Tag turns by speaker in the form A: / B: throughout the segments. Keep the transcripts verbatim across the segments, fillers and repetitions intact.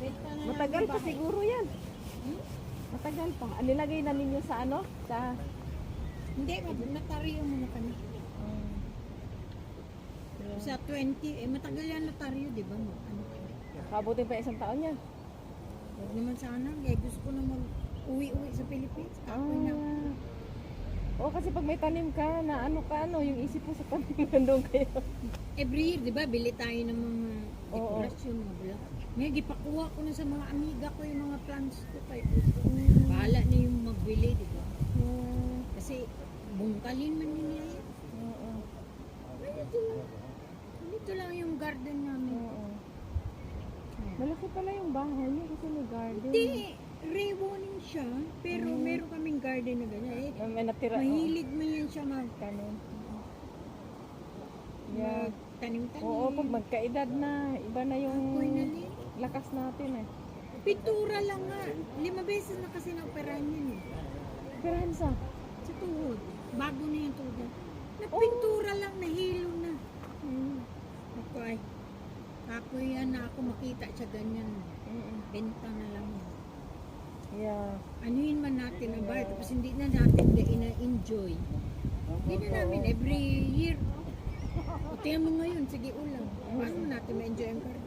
A: Benta na
B: Matagal
A: lang
B: pa
A: bahay.
B: siguro yan.
A: Hmm?
B: Matagal pa. Ah, nilagay na ninyo sa ano? Sa...
A: Hindi, notaryo muna kami. Sa twenty, eh matagal yan notaryo, di ba? Mag- Ano,
B: Kabutin pa isang taon yan.
A: Huwag naman sana, eh gusto ko na mag-uwi-uwi sa Philippines. Kapoy na.
B: Ah. Oo, kasi pag may tanim ka, na ano ka, ano, yung isip mo sa tanim, nandun kayo.
A: Every year, di ba, bili tayo ng mga
B: Oo.
A: dekorasyon, mga bulak. Ngayon, gipakuha ko na sa mga amiga ko yung mga plants ko. Kaya, bahala na yung magbili, di ba?
B: Hmm.
A: Kasi, bungkalin man nila yan.
B: Oo.
A: Ganito lang. Ganito lang yung garden namin.
B: Oo. Malaki pala yung bahay niyo kasi may garden.
A: Hindi, rewarning siya, pero
B: Mm.
A: meron kaming garden na ganyan. Eh,
B: Ah, may natira.
A: mahilig man yan siya magtanim.
B: Yeah.
A: Magtanim-tanim.
B: Oo, pag magkaedad na, iba na yung
A: Apoy na din.
B: lakas natin eh.
A: Pintura lang nga. Lima beses na kasi na-operahan yan eh.
B: Pirahan sa?
A: Sa tuhod. Bago na yung tuhod. Napintura lang, nahilo na.
B: Mm.
A: Ako ay, ako yan na ako makita siya ganyan.
B: Mm.
A: Benta na lang yan.
B: Yeah.
A: Anuhin man natin ang bahay, tapos hindi na natin na-enjoy. Hindi na namin every year. O tingnan mo ngayon, sige ulam. Paano natin ma-enjoy ang garden?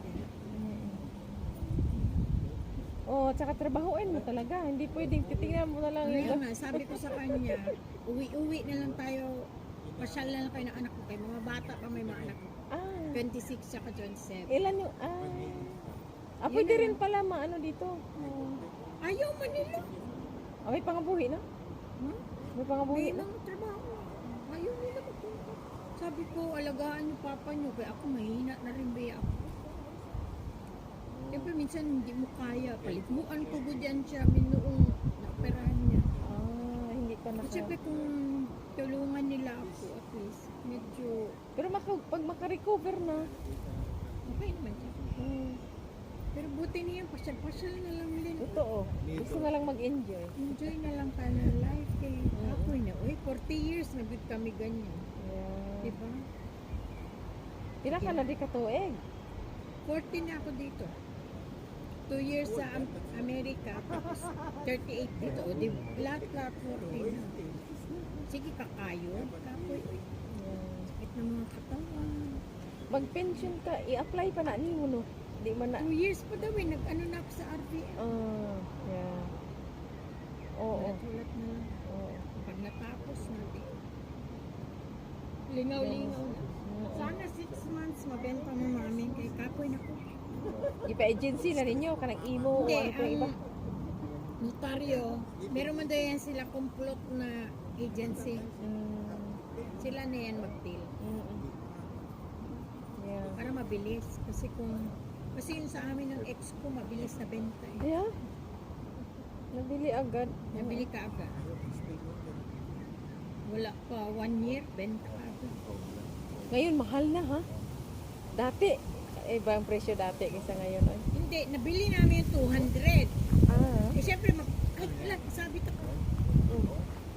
B: Oo, tsaka trabahuin mo talaga. Hindi pwedeng titingnan mo na lang
A: Kaya
B: yung...
A: nga, sabi ko sa kanya, uwi-uwi na lang tayo, pasyal na lang kayo ng anak ko. Kaya mga bata pa may mga anak ko.
B: Ah,
A: twenty-six tsaka twenty-seven.
B: ilan yung... Ah, ah
A: Yun
B: pwede
A: na
B: rin pala maano dito. Oh.
A: Ayaw man nila.
B: Ah, may pangabuhi na?
A: Huh?
B: May pangabuhi
A: May
B: na?
A: mga trabaho. Ayaw nila magpunta. Sabi ko, alagaan yung papa nyo. Kaya ako mahina na rin ba ako. Siyempre minsan hindi mo kaya. Paliguan ko ko dyan siya. Minuong naoperahan niya.
B: Ah, hindi pa naka...
A: Siyempre kung tulungan nila ako at least, medyo
B: Pero maka, pag makarecover na...
A: okay naman siya.
B: Hmm,
A: Pero buti niya, pasyal-pasyal na lang din.
B: totoo. Gusto na lang mag-enjoy.
A: Enjoy na lang tayo ng life eh. Ako na, uy, forty years na bit kami ganyan.
B: Yeah.
A: Diba?
B: Pila ka na di katuig.
A: forty na ako dito. two years sa Am- Amerika, tapos thirty-eight dito. O di, lahat-lahat forty na. Sige, kakayo. Kapoy, uy,
B: Yeah.
A: sakit ng mga katawan.
B: Mag-pension ka, i-apply pa na ni mo no. Di man na...
A: two years pa daw eh, nag-ano na ako sa R B M.
B: Ah, yeah. Oo.
A: Ulat na lang.
B: Oo.
A: Pag natapos natin. Lingaw-lingaw na. Sana six months mabenta mo namin kay Kapoy na ko.
B: Ipa-agency na ninyo, kanang imo o
A: Hindi,
B: ano pa iba.
A: ang notaryo, meron man daw yan sila complot na agency.
B: Mm,
A: Sila na yan mag-deal.
B: mm, mm. Yeah.
A: Para mabilis. Kasi kung, kasi yun sa amin ng ex ko, mabilis na benta eh.
B: Yeah. Nabili agad.
A: Nabili ka agad. Wala pa, one year, benta ka agad.
B: Ngayon, mahal na ha. Dati, iba ang presyo dati kaysa ngayon. Ay.
A: Hindi, nabili namin yung two hundred.
B: Ah.
A: Eh syempre, mag, ay, alam, sabi ko,
B: Mm.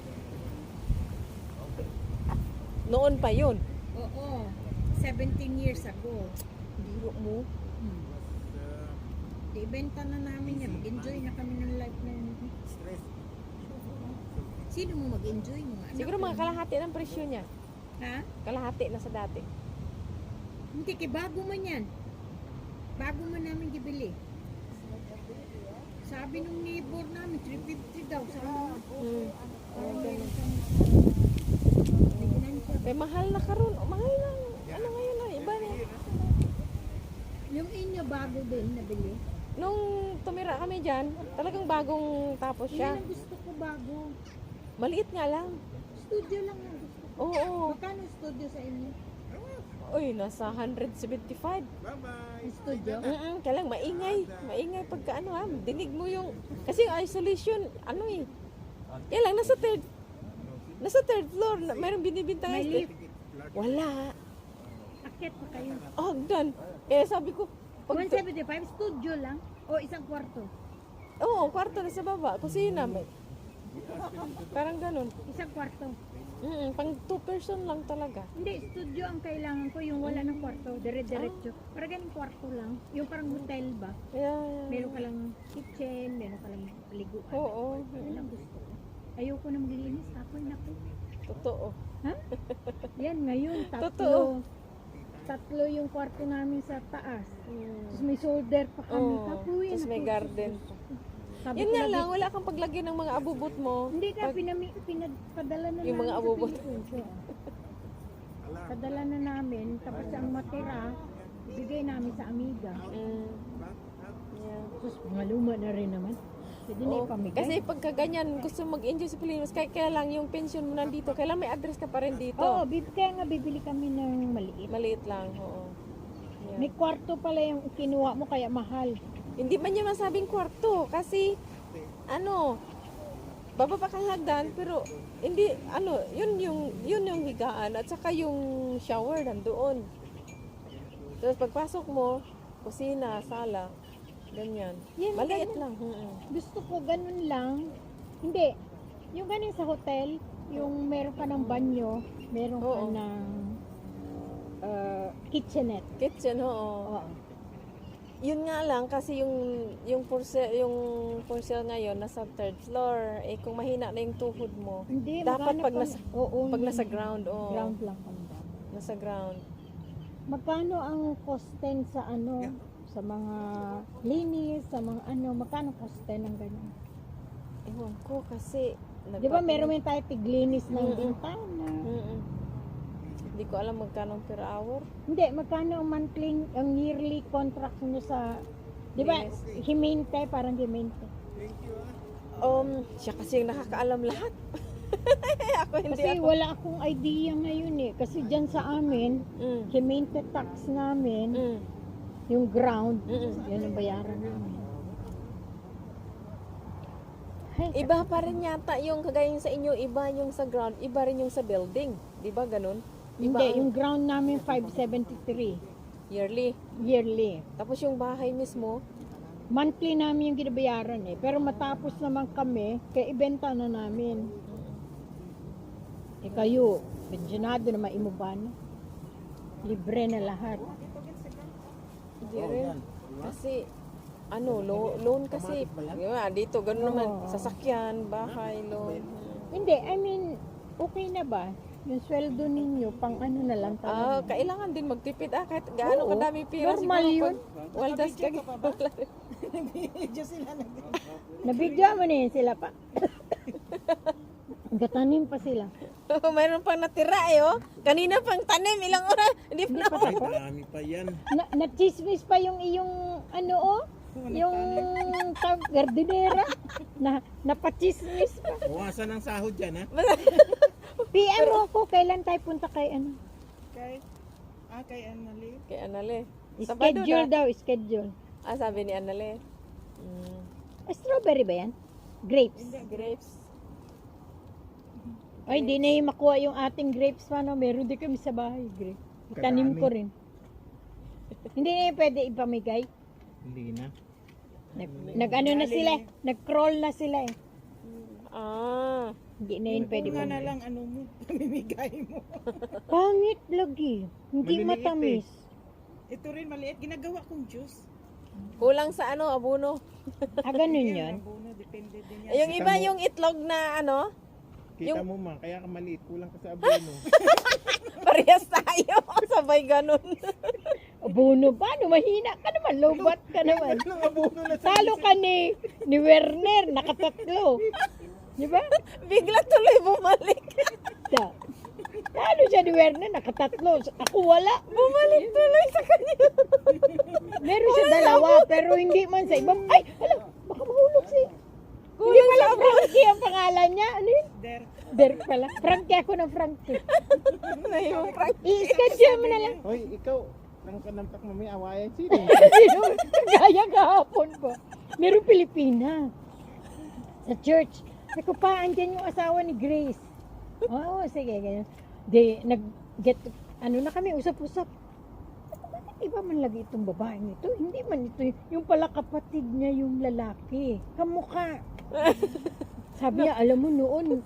B: Noon pa yun.
A: oo, seventeen years ago.
B: Biro mo.
A: Hmm. Di, benta na namin yan. Mag-enjoy na kami ng life na yun. Sino mo mag-enjoy? Mga anak
B: Siguro
A: ko.
B: mga kalahati ng presyo niya.
A: Ha?
B: Kalahati na sa dati.
A: Hindi, kay bago man yan. Bago man namin gibili. Sabi nung neighbor namin, three fifty daw. Sabi mo,
B: Mm.
A: parang
B: ganun.
A: meron kang financial.
B: Eh, mahal na karon. O, mahal na. Ano ngayon na? Iba na.
A: Yung inyo bago din nabili.
B: Nung tumira kami dyan, talagang bagong tapos
A: Yan
B: siya.
A: ang gusto ko bago.
B: Maliit nga lang.
A: Studio lang ang gusto ko.
B: Oo.
A: Magkano studio sa inyo?
B: Uy, nasa one seventy-five.
A: Ang studio?
B: Mm-mm, kailang maingay. Maingay pagka ano ha, dinig mo yung... Kasi yung isolation, ano eh. Yan lang, nasa third... Nasa third floor, na, mayroong binibintang
A: May
B: este.
A: lift.
B: Wala.
A: Akit pa kayo.
B: Oh, done. Kaya sabi ko, pag...
A: one seventy-five studio lang? O isang kwarto?
B: Oo, kwarto na sa baba. Kusina. May... Parang ganun.
A: Isang kwarto.
B: Mm, pang two person lang talaga.
A: Hindi, studio ang kailangan ko, yung wala ng kwarto, dire-diretso. Para ganun kwarto lang, yung parang hotel ba?
B: Yeah, yeah.
A: Meron ka lang kitchen, meron ka lang paliguan.
B: Oo.
A: Yun ang gusto ko. Ayoko na maglilinis, ako'y naku.
B: Totoo.
A: Ha? Yan, ngayon, tatlo.
B: Totoo.
A: Tatlo yung kwarto namin sa taas.
B: Mm.
A: Tapos may shoulder pa kami.
B: Oo.
A: Kapuy,
B: Tapos may
A: naku.
B: garden.
A: Sabi
B: Yun
A: ko
B: nga
A: lagi,
B: lang, wala kang paglagyan ng mga abubot mo.
A: Hindi ka,
B: Pag-
A: pinami, pinadala na
B: Yung mga
A: namin
B: abubot.
A: sa Philippines. Oo. Padala na namin, tapos ang matira, ibigay namin sa amiga.
B: Mm. Yeah.
A: Tapos mga luma na rin naman. Pwede na
B: Oo.
A: ipamigay.
B: Kasi pagka ganyan, gusto mag-enjoy sa Pilipinas, kaya, kaya lang yung pension mo nandito, kailan may address ka pa rin dito.
A: Oo, bib- kaya nga bibili kami ng maliit.
B: Maliit lang, oo. Yeah.
A: May kwarto pala yung kinuha mo kaya mahal.
B: Hindi man niya masabing kwarto, kasi, ano, bababa kang hagdan, pero, hindi, ano, yun yung, yun yung higaan, at saka yung shower nandoon. Tapos pagpasok mo, kusina, sala, ganyan.
A: Yan,
B: Maliit
A: ganun.
B: lang. mm
A: Gusto ko ganun lang. Hindi. Yung ganun sa hotel, yung meron ka ng banyo, meron ka
B: Oo.
A: ng uh, kitchenette.
B: Kitchen, oo.
A: Oo.
B: Yun nga lang kasi yung yung for sale, yung for sale ngayon nasa third floor. Eh kung mahina na yung tuhod mo,
A: Hindi,
B: dapat
A: magkano
B: pag
A: pa-
B: nasa
A: oo,
B: pag
A: yun.
B: nasa ground, oh.
A: Ground lang kami.
B: Nasa ground.
A: Magkano ang kosten sa ano, sa mga linis, sa mga ano, magkano kosten ng ganyan?
B: Ewan ko kasi
A: Di ba meron mo tayo tiglinis ng
B: Mm-mm.
A: bintana?
B: Mm-mm. Hindi ko alam magkano per hour.
A: Hindi, magkano ang monthly, ang yearly contract nyo sa, di ba,
B: Linis.
A: himente, parang himente.
B: Um, siya kasi yung nakakaalam lahat. Ako hindi
A: Kasi
B: ako.
A: wala akong idea ngayon eh. Kasi dyan sa amin,
B: Mm.
A: himente tax namin,
B: Mm.
A: yung ground,
B: Mm-mm.
A: yun ang bayaran namin. Ay,
B: Iba pa rin yata yung kagaya yung sa inyo, iba yung sa ground, iba rin yung sa building. Di ba ganun? Iba
A: hindi,
B: ang
A: yung ground namin five seventy-three
B: yearly.
A: yearly.
B: Tapos yung bahay mismo,
A: Monthly namin yung ginabayaran eh. Pero matapos naman kami, kaya ibenta na namin. Eh kayo, pensionado na maimuban. Libre na lahat.
B: hindi rin. Kasi, ano, lo- loan kasi. Diba, dito, ganun naman.
A: Oo.
B: Sasakyan, bahay, loan.
A: Hindi, I mean, okay na ba? Yung sweldo ninyo, pang ano na lang
B: Ah,
A: talaga.
B: kailangan din magtipid. Ah, kahit gaano
A: Oo.
B: kadami pira.
A: Normal
B: siguro
A: yun.
B: pag Waldas ka.
A: Nabigyan mo na yun sila pa. Gatanim pa sila.
B: Mayroon pang natira eh, oh. Kanina pang tanim, ilang oras. Hindi pa
A: Hindi
B: na.
A: pa
C: Ay,
A: tapos.
C: dami pa yan.
A: Na, na-chismis pa yung iyong ano oh, yung tawag, gardinera. Na, napachismis pa.
C: Bawasan ang sahod dyan, ha?
A: P M mo ako, kailan tayo punta kay ano?
C: Kay, ah, kay Annalyn.
B: Kay Anale. Sabado
A: Schedule
B: na.
A: daw, schedule.
B: Ah, sabi ni Anale. Mm.
A: Ah, strawberry ba yan? Grapes.
B: Grapes.
A: Ay, di na yung makuha yung ating grapes pa, no? Meron din kami sa bahay, grapes. Itanim ko rin. Hindi na yung pwede ipamigay.
C: Hindi na.
A: Nag, nag ano na sila, eh. nag-crawl na sila eh.
B: Ah.
A: Hindi na yun pwede
C: Kung nga na
A: pamigay.
C: lang, ano mo, pamimigay mo.
A: Pangit lagi. Hindi
C: Maliliit
A: matamis.
C: Ito rin, maliit. Ginagawa kong juice.
B: Kulang sa ano, abono.
A: Ah, ganun yun.
C: Abono, depende din yan.
B: Yung iba yung itlog na ano,
C: Kita
B: yung-
C: mo, ma, kaya ka maliit. Kulang ka sa abono.
B: parehas tayo. Sabay ganun.
A: Abono, paano? Mahina ka naman. Lobat ka naman.
C: Anong abono na sa...
A: Talo ka ni, ni Werner. Nakatatlo. Di ba?
B: Bigla tuloy bumalik.
A: Da. Talo siya ni Werner. Nakatatlo. Ako wala.
B: Bumalik tuloy sa kanya.
A: Meron siya dalawa. Pero hindi man sa ibang. Ay! Hala! Baka mahulog siya. Hindi
B: Kulang
A: pala
B: sa abono.
A: Frankie ang pangalan niya. Ano yun?
C: Der.
A: Derek pala. Frankie ako ng Frankie.
B: Na yung prank.
A: I-schedule mo na lang.
C: Hoy, ikaw, nang kanamtak mo, may awayan sino?
A: Gaya kahapon pa. Meron Pilipina. Sa church. Sabi ko pa, andyan yung asawa ni Grace. Oo, sige, ganyan. Di, nag, get, ano na kami, usap-usap. Sabi ko, bakit iba man lagi itong babaeng ito? Hindi man ito, yung pala kapatid niya yung lalaki. Kamukha. Sabi niya, alam mo noon,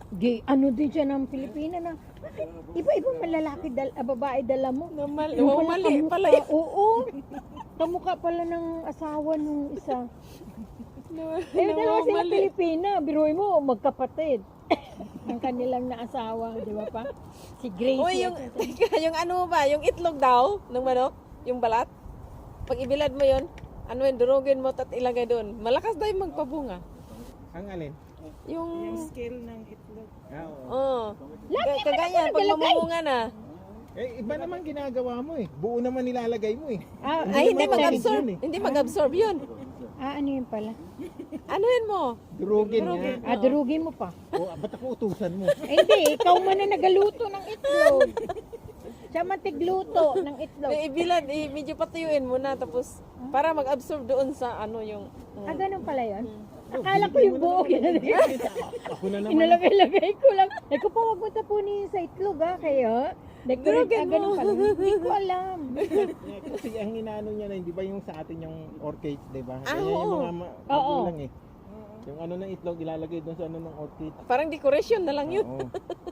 A: Gay, ano din siya ng Pilipina na, bakit iba-ibang malalaki, dal, ah, babae dala mo?
B: Na mali,
A: Yung
B: oh,
A: pala
B: mali
A: kamukha,
B: pala yun.
A: Oo. Kamukha pala ng asawa nung isa.
B: Na-
A: Eh, dalawa sila
B: mali.
A: Pilipina. Biruin mo, magkapatid. Ang kanilang naasawa, di ba pa? Si Gracie.
B: Uy, yung,
A: at-
B: teka, yung ano ba, yung itlog daw ng manok, yung balat, pag ibilad mo yun, ano yun, durugin mo at ilagay doon. Malakas daw yung magpabunga.
C: Ang alin?
B: Yung,
D: Scale ng itlog.
C: Ah, oo.
B: oh,
A: Lagi
B: Ka- kaganyan, pag mamumunga na.
C: Eh, iba naman ginagawa mo eh. Buo naman nilalagay mo eh.
A: Ah,
B: Ay, hindi
C: naman
B: mag-absorb,
C: yun eh.
B: hindi mag-absorb yun.
A: ah, ano yun pala?
B: Ano yun mo?
C: Durugin
B: Durugin.
C: nga.
A: Ah, durugin mo pa.
C: O, ba't ako utusan mo?
A: Eh, hindi, ikaw man na nagaluto ng itlog. Siya man tigluto ng itlog.
B: Yung ibilad, i- medyo patuyuin mo na, tapos para mag-absorb doon sa ano yung...
A: Ah, ganun pala yun? Akala ko yung buo ginagawa.
C: Ako na naman.
A: Inalagay-lagay ko lang. Ay ko pa, wag mo tapunin sa itlog ha, kayo. Decorate
B: Durugin
A: ka, ganun
B: mo.
A: pala. Hindi ko alam.
C: Eh, kasi ang inaano niya na, hindi ba yung sa atin yung orchids, di ba?
B: Ah,
C: Ganyan yung
B: oo.
C: mga ma-
A: Oo.
C: magulang eh. Yung ano ng itlog ilalagay doon sa ano ng orchid.
B: Parang decoration na lang yun.
C: Oo.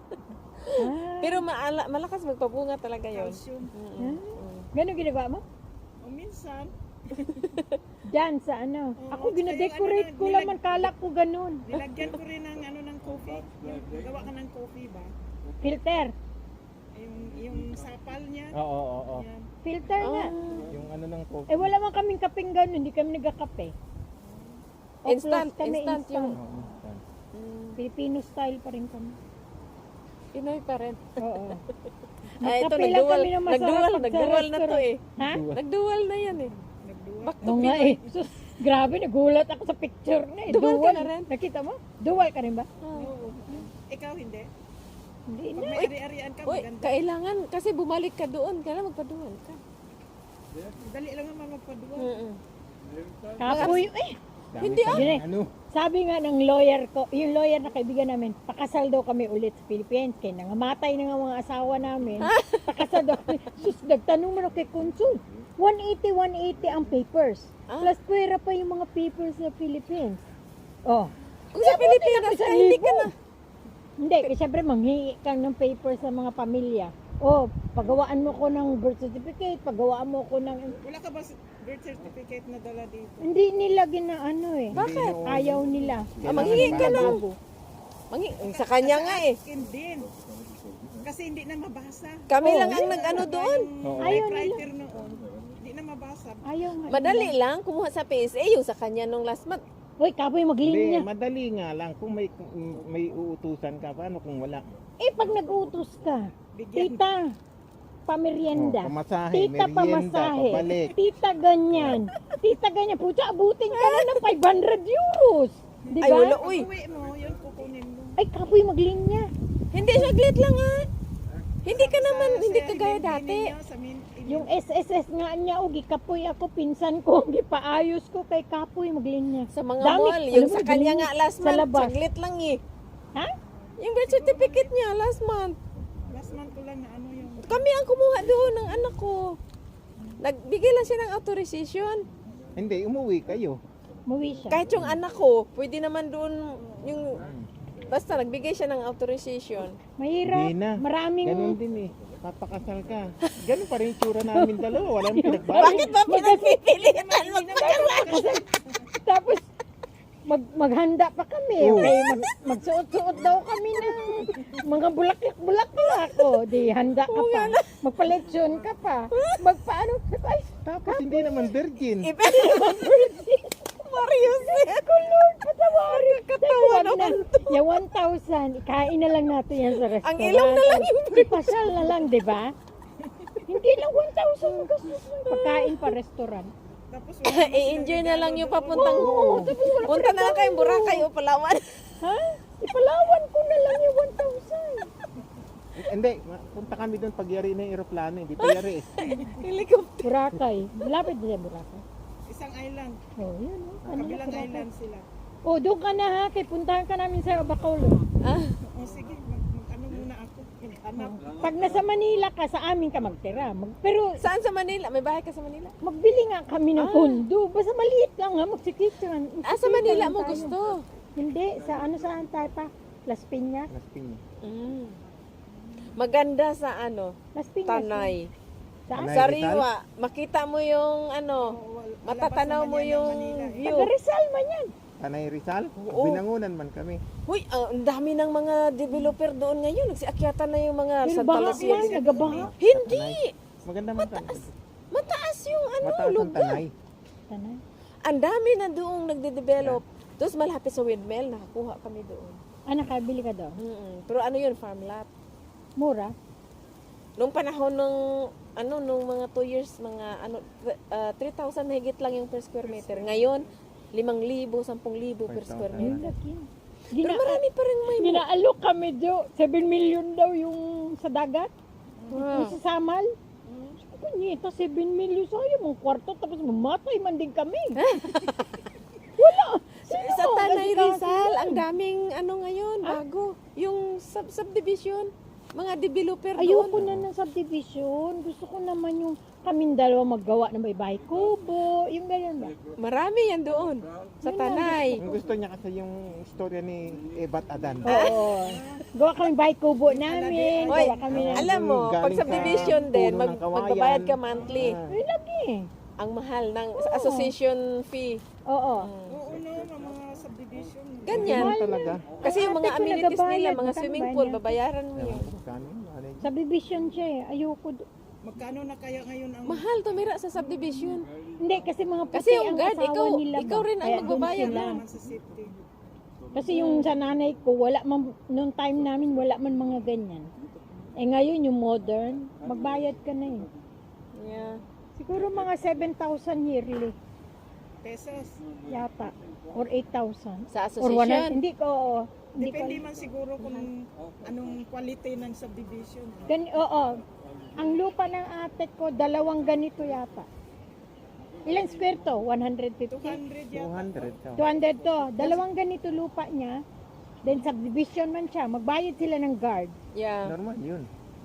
A: Ah,
B: Pero maala, malakas magpabunga talaga yun.
D: Calcium.
B: Mm-mm.
A: ganun ginagawa mo?
D: O minsan,
A: Diyan sa ano.
D: Oo,
A: Ako
D: tsaka
A: ginadecorate
D: yung ano
A: ko
D: na,
A: lang,
D: nilag-
A: man kala ko ganun.
D: nilagyan ko rin ng ano ng coffee. Yung gawa ka ng coffee ba?
A: Filter.
D: Yung, yung sapal niya.
C: Oo, oo, oo.
D: Yan.
A: Filter nga.
B: Ah,
C: Yung ano ng coffee.
A: Eh wala man kaming kaping ganun, hindi kami nagkakape. O,
B: Instant,
A: plus kami
B: instant yung...
C: Oo, instant.
B: Mm,
A: Filipino style pa rin kami.
B: Pinoy pa rin.
A: Oo.
B: Ay, ito,
A: Magkape lang
B: nagdual,
A: kami ng masarap
B: nagdual,
A: pag sa
B: nagdual na to
A: restaurant.
B: eh.
A: Ha?
B: Nagdual na yan eh.
D: Nagduwa.
B: Back to
A: Oo nga
B: Pinoy.
A: eh. Sus, grabe, nagulat ako sa picture na eh.
B: Dual ka na rin?
A: Nakita mo? Dual ka rin ba?
B: Ah.
D: Oo. Ikaw hindi.
A: Hindi
D: Pag
A: na.
D: may ari-arian ka,
B: Uy,
D: maganda.
B: kailangan, kasi bumalik ka doon, kailangan magpadual ka.
D: Dali lang naman magpaduwa.
B: Mm-mm.
A: Kapoy, eh.
C: Dami
B: Hindi,
C: pa
A: ah.
C: rin, Ano?
A: Sabi nga ng lawyer ko, yung lawyer na kaibigan namin, pakasal daw kami ulit sa Philippines. Kaya nangamatay na nga mga asawa namin. Pakasal daw kami. Sus, nagtanong mo na kay Consul. one eighty, one eighty ang papers.
B: Ah.
A: Plus pwera pa yung mga papers sa Philippines. Oh.
B: Kung sa Pilipinas ka, hindi ka na.
A: Hindi, kasi syempre manghingi kang ng papers sa mga pamilya. Oh, pagawaan mo ko ng birth certificate, pagawaan mo ko ng...
D: Wala ka ba birth certificate na dala dito?
A: Hindi nila gina ano eh.
B: Bakit?
C: Hindi,
A: Ayaw nila.
B: Ah, manghingi ka lang.
A: Bago.
B: Mangi, sa kanya nga eh.
D: Akin din. Kasi hindi na mabasa.
B: Kami
A: Oh.
B: lang ang nag-ano doon.
C: Oo.
A: Ayaw nila.
D: Typewriter noon. Hindi na mabasa.
A: Ayaw nga.
B: Madali lang, kumuha sa P S A, yung sa kanya nung last month.
A: Hoy, kapoy
C: Hindi,
A: maglinya.
C: madali nga lang. Kung may kung may uutusan ka, paano kung wala?
A: Eh, pag nag-utos ka,
D: Bigyan.
A: tita, pamerienda.
C: Oh, pamasahe,
A: Tita,
C: merienda,
A: pamasahe.
C: pabalik.
A: Tita, ganyan. Tita, ganyan. Pucha, abutin ka na ng five hundred euros. Di
B: Ay, wala,
A: ba?
B: uy.
D: Pag uwi mo, yun kukunin mo.
A: Ay, kapoy maglinya.
B: Hindi, saglit lang ha. Hindi ka naman,
D: Sa-
B: hindi
D: sa
B: ka gaya
D: hindi
B: dati.
D: ninyo, sa min- in-
A: Yung S S S nga niya, o gikapoy ako, pinsan ko, gipaayos ko kay kapoy maglinya.
B: Sa mga
A: Dami,
B: mall,
A: alam
B: yung
A: mo,
B: sa kanya
A: galing
B: nga last
A: sa
B: month,
A: labas.
B: saglit lang eh.
A: Ha?
B: Yung birth certificate niya last month.
D: last month ko lang na ano yung
B: Kami ang kumuha doon ng anak ko. Nagbigay lang siya ng authorization.
C: Hindi, umuwi kayo.
A: Muwi siya.
B: Kahit yung anak ko, pwede naman doon yung... Basta nagbigay siya ng authorization.
A: Mahirap.
C: Hindi na.
A: Maraming...
C: Ganun din eh. Papakasal ka. Ganun pa rin yung tsura namin dalawa. Walang pinagbago.
B: Bakit ba pinagpipilitan mo?
A: Tapos, mag maghanda pa kami.
C: Oo.
A: Okay, mag, magsuot-suot daw kami ng mga bulaklak-bulaklak. O, di handa ka pa. Magpaletsyon ka pa. Magpaano? Ay,
C: Tapos hindi naman virgin.
B: Marius eh.
A: ko Lord, patawarin.
B: Katawa
A: Wag
B: naman
A: na. Yung one thousand, ikain na lang natin yan sa restaurant.
B: Ang ilong na lang yung
A: Ipasal na lang, di ba? Hindi lang one thousand gastos ng pagkain pa restaurant.
D: tapos
B: I-enjoy na lang yung papuntang...
A: Oo, tapos wala pa
B: Punta na lang kayong Boracay o Palawan.
A: Ha? Ipalawan ko na lang yung one thousand.
C: Hindi, ma- punta kami doon pag yari na yung aeroplano. Hindi pa yari eh.
B: Helicopter.
A: Boracay. Malapit din sa Boracay.
D: isang island.
A: Oh, yun. Oh. Ano na,
D: Kabilang
A: Boracay.
D: island sila.
A: Oh, doon ka na ha. Kay puntahan ka namin sa Bacolod.
B: Ah,
D: O sige, mag, mag ano muna ako. Hanap.
A: Pag nasa Manila ka, sa amin ka magtira. Mag, pero
B: saan sa Manila? May bahay ka sa Manila?
A: magbili nga kami ng
B: Ah.
A: kondo. Basta maliit lang ha. Magsikitran.
B: Ah, sa Manila mo gusto?
A: Hindi. Sa ano saan tayo pa?
E: Las Piñas.
C: Las Piñas.
B: Mm. Maganda sa ano,
E: Las Piñas.
B: Tanay.
E: Saan?
C: Tanay.
B: Sa
C: Rizal?
B: Riwa, makita mo yung ano, matatanaw mo yung view.
E: Taga Rizal man yan.
C: Tanay Rizal?
B: Oo.
C: Binangunan man kami.
B: Huy, ah, ang dami ng mga developer doon ngayon. Nagsiakyatan na yung mga
E: Pero
B: Santa
E: baha
B: Lucia.
E: man, nagabaha.
B: Hindi!
C: Maganda man kami.
B: Mataas yung ano,
C: Mataas ang
B: lugar.
C: Tanay.
E: Tanay.
B: Ang dami na doong nagde-develop. Tapos malapit sa windmill, nakakuha kami doon.
E: Ah, nakabili ka doon?
B: Mm-mm. Pero ano yun, farm lot.
E: Mura?
B: Nung panahon ng ano nung mga two years mga ano th- uh, three thousand na higit lang yung per square meter. Ngayon limang libo, sampung libo per square
C: five
E: Ayun
B: meter.
E: laki.
B: Pero
E: Gina
B: marami pa rin may
E: ginaalok kami do. seven million daw yung sa dagat.
B: Wow.
E: Yung sa Samal. Sabi ko, nita, seven million sayang mong kwarto tapos mamatay man din kami. Wala.
B: Sa,
E: Sino
B: sa
E: ang
B: Tanay
E: asikaso
B: Rizal,
E: yan?
B: ang daming ano ngayon, bago. Yung sub subdivision, mga developer
E: Ayoko
B: doon.
E: na ng subdivision. Gusto ko naman yung kaming dalawa maggawa ng baybay kubo. Yung ganyan ba?
B: Marami yan doon. Sa
E: Yun
B: Tanay.
C: Ang gusto niya kasi yung istorya ni Ebat Adan.
E: Oo. Gawa kami bahay kubo namin.
B: Hoy,
E: Gawa kami ng...
B: alam mo,
C: Galing
B: pag
C: sa
B: subdivision din,
C: puno
B: mag,
C: ng kawayan.
B: magbabayad ka monthly.
C: Ah.
E: Ay, lagi.
B: Ang mahal ng association fee.
E: Oo.
D: Oo no, ng mga subdivision.
B: Ganyan.
C: Ganun talaga.
B: Kasi yung mga
E: Ate ko
B: amenities nila,
E: nagabayad,
B: mga
E: magkano
B: swimming
E: ba
B: pool,
E: niya?
B: babayaran mo yun.
C: Magkano yun? Ano yun?
E: Subdivision siya eh. Ayoko. do-
D: Magkano na kaya ngayon ang
B: Mahal tumira sa subdivision.
E: Hindi, kasi mga puti
B: Kasi yung
E: ang
B: guard,
E: asawa
B: ikaw-
E: nila ba?
B: ikaw rin ang
E: Kaya doon
B: magbabayad
E: sila.
D: naman sa city?
E: Kasi yung sa nanay ko, wala man, noong time namin, wala man mga ganyan. Eh ngayon, yung modern, magbayad ka na eh.
B: Yeah.
E: Siguro mga seven thousand yearly
D: Pesos.
E: yata. Or eight thousand.
B: Sa
E: Or one
B: association.
E: Hindi ko, oo. Hindi ko.
D: Depende man siguro kung anong quality ng subdivision.
E: Gani, oo. Ang lupa ng ate ko, dalawang ganito yata. Ilang square to? one hundred
D: two
E: fifty?
D: hundred
C: two
D: yata.
C: hundred ka.
E: two hundred to. Dalawang ganito lupa niya. Then subdivision man siya. Magbayad sila ng guard.
B: Yeah.
C: Normal yun.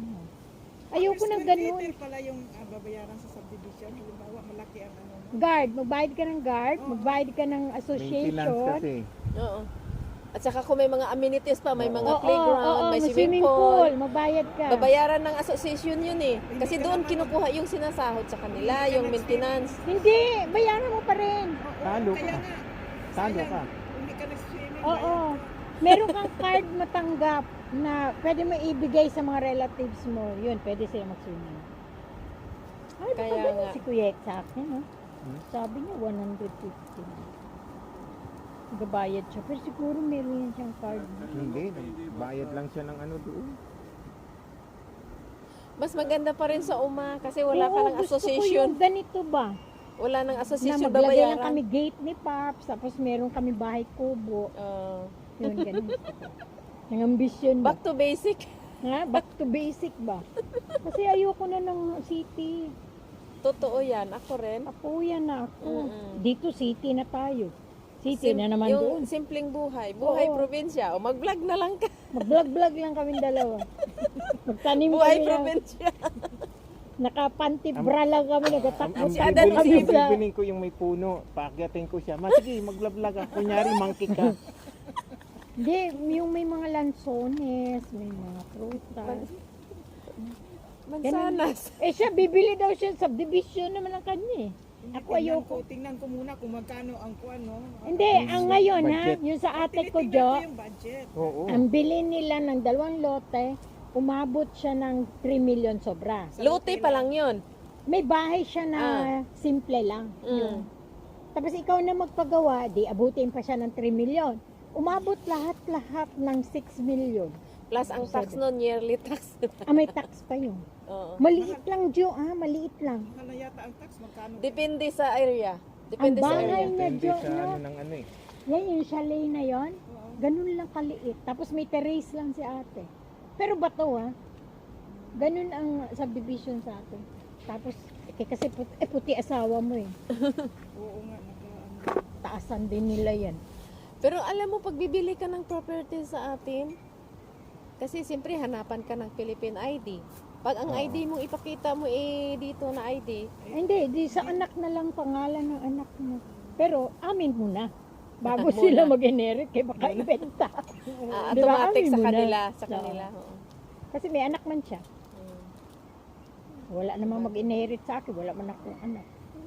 E: Ayoko ng
D: Per square
E: ganun.
D: meter pala yung ah, babayaran sa subdivision. Halimbawa, malaki ang ano.
E: Guard. Magbayad ka ng guard. Magbayad ka ng
C: Maintenance
E: association.
C: kasi.
B: Oo. At saka kung may mga amenities pa, may mga
E: Oo,
B: playground,
E: oo,
B: may
E: may
B: swimming pool.
E: Magbayad ka.
B: Babayaran ng association yun eh. Kasi doon kinukuha yung sinasahod sa kanila, yung maintenance.
E: Hindi. Bayaran mo pa rin.
C: Talo
D: Kaya
C: ka.
D: nga,
C: Talo
D: sayang,
C: ka.
D: hindi ka nag-swimming.
E: Oo. Meron kang card matanggap na pwede mo ibigay sa mga relatives mo. Yun, pwede sila mag-swimming. Ay, baka
B: Kaya
E: ganun
B: nga.
E: si Kuya Ek sa akin, no?
C: Hmm?
E: Sabi niya, one hundred fifty. Nagabayad siya. Pero siguro meron yan siyang card.
C: Hindi. Bayad lang siya ng ano doon.
B: Mas maganda pa rin sa UMA kasi wala ka
E: Oo,
B: ng
E: gusto ko
B: association.
E: yung ganito ba?
B: Wala ng
E: Na
B: association
E: maglagay lang
B: babayaran.
E: kami gate ni Paps, tapos meron kami bahay kubo.
B: Ah,
E: Yun, ganun gusto ko. Yung ambisyon ba?
B: back to basic.
E: Ha? Back to basic ba? Kasi ayoko na ng city.
B: Totoo yan. Ako rin.
E: Ako yan na ako.
B: Mm-mm.
E: Dito city na tayo. City
B: Sim-
E: na naman
B: yung
E: doon.
B: simpleng buhay. Buhay
E: Oo.
B: probinsya. O mag-vlog na lang ka.
E: Mag-vlog-vlog lang kami dalawa. Magtanim
B: Buhay
E: kami na,
B: probinsya.
E: nakapanty bra lang kami,
C: Ang,
E: nagatakbo
C: ang
B: Si
E: kami
B: Adan,
E: kami
B: si-
E: sa...
C: bibiling ko yung may puno. Paakyatin ko siya. Ma, sige, maglablag ka. Kunyari, monkey ka.
E: Hindi, yung may mga lansones, may mga prutas.
B: Mansanas.
E: Eh siya, bibili daw siya, subdivision naman ang kanya eh. Ako
D: Tingnan
E: ayoko.
D: ko, tingnan ko muna kung magkano ang kuwan, no?
E: Hindi, ang ngayon ha,
C: Budget.
E: yung sa ate ko,
D: Tinitingnan
E: Jo,
D: ko yung budget.
C: Oo.
E: ang bilhin nila ng dalawang lote, umabot siya ng three million sobra.
B: Lote pa lang yun.
E: May bahay siya na
B: Ah.
E: simple lang.
B: Mm.
E: Tapos ikaw na magpagawa, di abutin pa siya ng three million. Umabot lahat-lahat ng six million.
B: Plus ang tax nun, yearly tax.
E: Ah, may tax pa yun.
B: Oo.
E: Maliit lang, Jo, ah, maliit lang.
D: Mahal na yata ang tax, magkano?
B: Depende sa area. Depende
E: Ang
B: sa
E: bahay
B: area.
E: niya,
C: Depende
E: Jo,
C: sa
E: no?
C: ano ng ano eh.
E: Yan yung chalet na yon. Ganun lang kaliit. Tapos may terrace lang si ate. Pero bato ha. Ganun ang subdivision sa atin. Tapos, eh, kasi puti, eh, puti asawa mo eh.
D: Oo nga, naka, ano.
E: Taasan din nila yan.
B: Pero alam mo, pag bibili ka ng property sa atin, kasi siyempre hanapan ka ng Philippine I D. Pag ang I D mong ipakita mo eh dito na I D,
E: Eh, hindi, di sa anak na lang pangalan ng anak mo. Pero amin muna. Bago sila mag-inherit, kaya baka ibenta.
B: Ah,
E: Di ba?
B: automatic
E: Amin
B: sa
E: muna.
B: kanila, sa
E: Oo.
B: kanila. oo.
E: Kasi may anak man siya.
B: Mm.
E: Wala namang mag-inherit sa akin, wala man akong anak.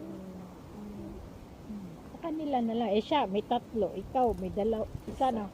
E: Sa kanila na lang. Eh siya, may tatlo. Ikaw, may dalaw. Isa na.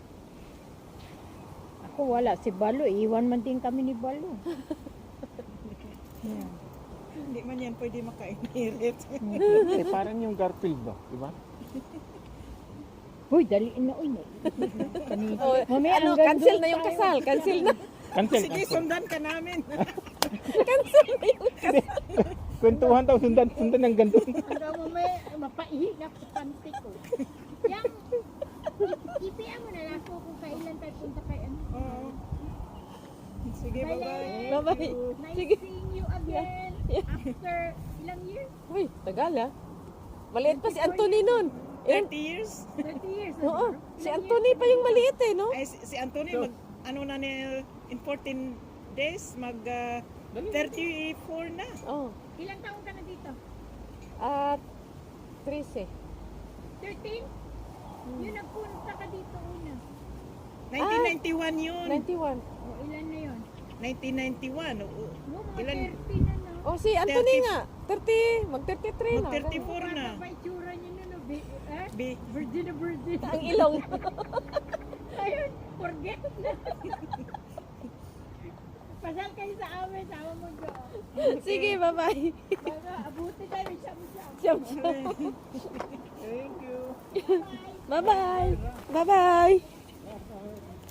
E: Ako wala. Si Balo, iwan man din kami ni Balo. Yeah.
D: Hindi man yan pwede maka-inherit.
C: Eh, parang yung Garfield ba? Di ba?
E: Uy, daliin na. Uy, na. Kanina.
B: Oh,
E: Mamaya,
B: ano,
E: hanggang
B: cancel
E: doon
B: na yung
E: tayo.
B: kasal. Cancel na.
C: Cancel,
D: Sige,
C: cancel.
D: sundan ka namin.
B: Cancel na yung
C: Kwentuhan daw, sundan, sundan ng gandun.
E: Hanggang mamaya, mapaihi na sa panty ko. Yang, ipian mo na lang ako kung kailan tayo punta kay ano.
D: Oo. Sige, bye-bye.
B: Bye-bye.
E: Nice
B: Sige.
E: seeing you again after ilang years?
B: Uy, tagal ah. Maliit pa si Anthony nun. Ilan?
D: thirty years?
E: thirty years.
B: Oo, si Anthony pa yung maliit eh, no?
D: Ay, si, si Anthony, mag, ano na ni, in fourteen days, mag ah, thirty-four na.
B: Oh.
E: Ilang taong ka na dito?
B: At thirteen.
E: thirteen? Yun nagpunta ka dito una.
D: nineteen ninety-one yun.
B: ninety-one.
E: O ilan na yun?
D: nineteen ninety-one. Oo.
E: No, mga
D: Ilan?
E: thirty na no.
B: Oh, si Anthony
D: thirty.
B: nga. thirty, mag thirty-three na.
D: Mag thirty-four
E: Paano
D: na.
E: ba itsura niyo nun? no? Bi- eh?
D: Bi-
E: Virgin na virgin.
B: Ang ilong.
E: Ayun, forget na. Pasal kayo sa amin, sama mo doon.
B: Sige, bye-bye.
E: Baka abuti tayo, siyam-siyam.
B: Siyam, siyam.
C: Thank you.
B: Bye-bye. Bye-bye.